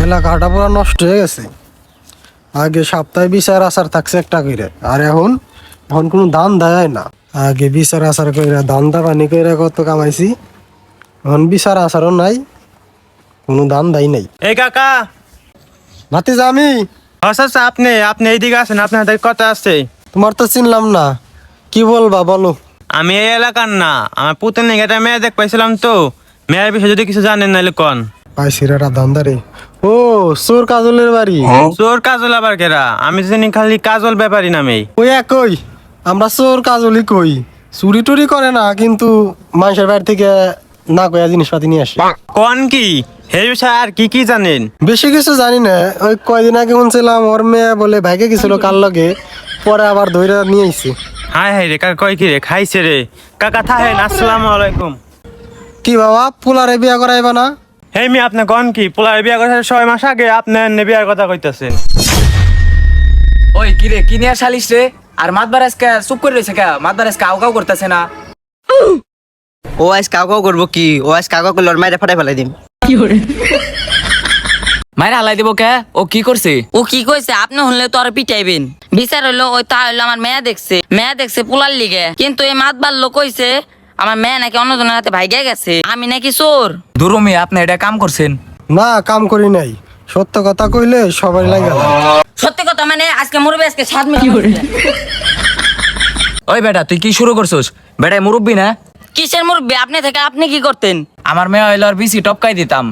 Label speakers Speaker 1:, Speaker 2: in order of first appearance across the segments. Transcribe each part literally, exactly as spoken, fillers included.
Speaker 1: এলাকাটা পুরো নষ্ট হয়ে গেছে। আগে সপ্তাহে বিচার আচার থাকছে একটা করে, আর এখন এখন কোনো দান দেয় না। আগে বিচার আচার কইরা দান্দা পানি কইরা কত কামাইছি, এখন বিচার আচারও নাই, কোনো দান দেয় নাই।
Speaker 2: এই কাকা,
Speaker 1: ভাতিজা আমি।
Speaker 2: আচ্ছা আচ্ছা, আপনি আপনি এইদিকে আছেন, আপনার হাতে কথা আছে।
Speaker 1: তোমার তো চিনলাম না, কি বলবা বলো।
Speaker 2: আমি এই এলাকার না, আমার পুতের নিয়ে একটা মেয়ে দেখ পাইছিলাম তো, মেয়ের বিষয়ে যদি কিছু জানেন নাহলে কন।
Speaker 1: পাইছিরাটা দান্দারে। ও চোর কাজলের বাড়ি।
Speaker 2: চোর কাজল আবার কেরা? আমি তো জানি খালি কাজল ব্যাপারী নামেই।
Speaker 1: ওই একই, আমরা চোর কাজলই কই। চুরি টুরি করে না, কিন্তু মানুষের বাড়ি থেকে না কয়া জিনিসপাতি নিয়ে আসে।
Speaker 2: কন কি এই বিষয়ে আর কি কি জানেন?
Speaker 1: বেশি কিছু জানি না, ওই কয়দিন আগে শুনছিলাম ওর মেয়ে বলে ভাইকে গেছিল কার লগে, পরে আবার ধইরা নিয়ে আইছে।
Speaker 2: হাই হাই রে কাকা, কয় কি রে খাইছে রে? কাকা থাহেন, আসসালামু আলাইকুম।
Speaker 1: কি বাবা, পোলারে বিয়া করাইবা না?
Speaker 2: হেই মি, আপনি কন কি? পোলার বিয়া করার ছয় মাস আগে আপনি এনে বিয়ার কথা কইতাছেন?
Speaker 3: ওই কিরে কি নিয়ে শালিস রে? আর মাতবার আজকে চুপ করে রয়েছে কে? মাতবার আজকে আউ কাউ করতেছে না।
Speaker 4: ও আজ কাউ কাউ করবো কি? ও আজ কাউ কাউ করলে ওর মায়ের ফাটাই ফেলাই দিম।
Speaker 3: মায়ের হালাই দিব কে? ও কি করছে?
Speaker 5: ও কি কইছে? আপনি হলে তো আর পিটাইবেন। বিচার হইলো ওই তা হইলো আমার মেয়া দেখছে, মেয়া দেখছে পোলার লিগে, কিন্তু এই মাত বাল্য কইছে আমার মেয়ে নাকি অন্যজনের হাতে ভাইগা গেছে, আমি নাকি চোর।
Speaker 3: দুরুমি আপনি এটা কাম করছেন?
Speaker 1: না, কাম করি নাই। সত্য কথা কইলে সবাই লাগে।
Speaker 5: সত্যি কথা মানে আজকে মরবে, আজকে সাত মিনিট।
Speaker 3: ওই বেটা তুই কি শুরু করছিস? বেটাই মুরব্বি না?
Speaker 5: কিসের মুরব্বি? আপনি থেকে আপনি কি করতেন?
Speaker 3: আমার মেয়ে হইলো আর বিসি টপকাই দিতাম।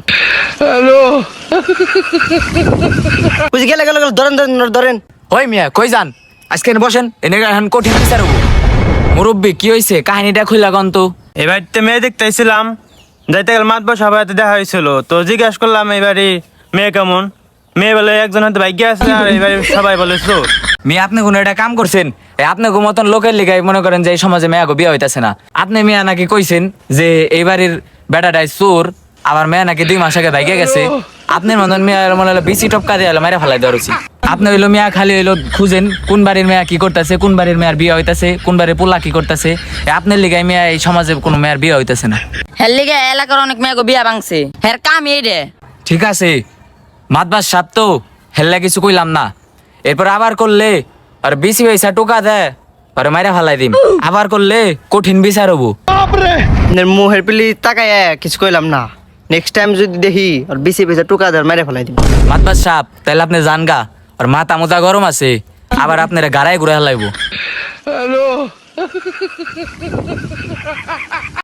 Speaker 4: বুঝি গেলে গেলে গেলে ধরেন ধরেন ধরেন।
Speaker 3: ওই মিয়া কই যান? আজকে এনে বসেন, এনে এখন কঠিন বিচার হবো। মুরব্বি কি হয়েছে? কাহিনীটা খুইলা গন তো।
Speaker 2: এবার তো মেয়ে দেখতে আইছিলাম, যাইতে গেলে মাতবর সবার হাতে দেখা হয়েছিল, তো জিজ্ঞাসা করলাম এবারে মেয়ে কেমন। মেয়ে বলে একজন হাতে ভাগ্য আছে, আর এবারে সবাই বলে চোর।
Speaker 3: মিয়া আপনি কোনো একটা কাম করছেন? এই আপনি গো মতন লোকের লিগাই মনে করেন যে এই সমাজে মেয়া গো বিয়ে হইতাছে না। আপনি মিয়া নাকি কইছেন যে এই বাড়ির বেটাটাই চোর, আবার মেয়া নাকি দুই মাস আগে ভাইগে গেছে। আপনার মতন মেয়া মনে হলো বিসি টপকা দিয়ে মাইরা ফেলাই দেওয়া উচিত। আপনি হইলো মিয়া খালি হইলো খুঁজেন কোন বাড়ির মেয়া কি করতেছে, কোন বাড়ির মেয়ার বিয়ে হইতাছে, কোন বাড়ির পোলা কি করতেছে। আপনার লিগাই মেয়া এই সমাজে কোনো মেয়ার বিয়ে হইতাছে না।
Speaker 5: হের লিগে এলাকার অনেক মেয়ে গো বিয়া ভাঙছে, হের কাম এই রে।
Speaker 3: ঠিক আছে, মাতবার সাপ তো হেল্লা কিছু কইলাম না। এরপর আবার করলে আর বেশি পয়সা টোকা দেয় আর মাইরা ফালাই দিম। আবার করলে কঠিন বিচার হবো।
Speaker 4: আপনার মুহের পিলি তাকায় কিছু কইলাম না। নেক্সট টাইম যদি দেখি আর বেশি পয়সা টুকা দেওয়ার মাইরে ফেলাই দিম।
Speaker 3: মাতবার সাপ তাহলে আপনি জান গা, আর মাথা মোজা গরম আছে, আবার আপনারা গাড়ায় ঘুরে হালাইবো।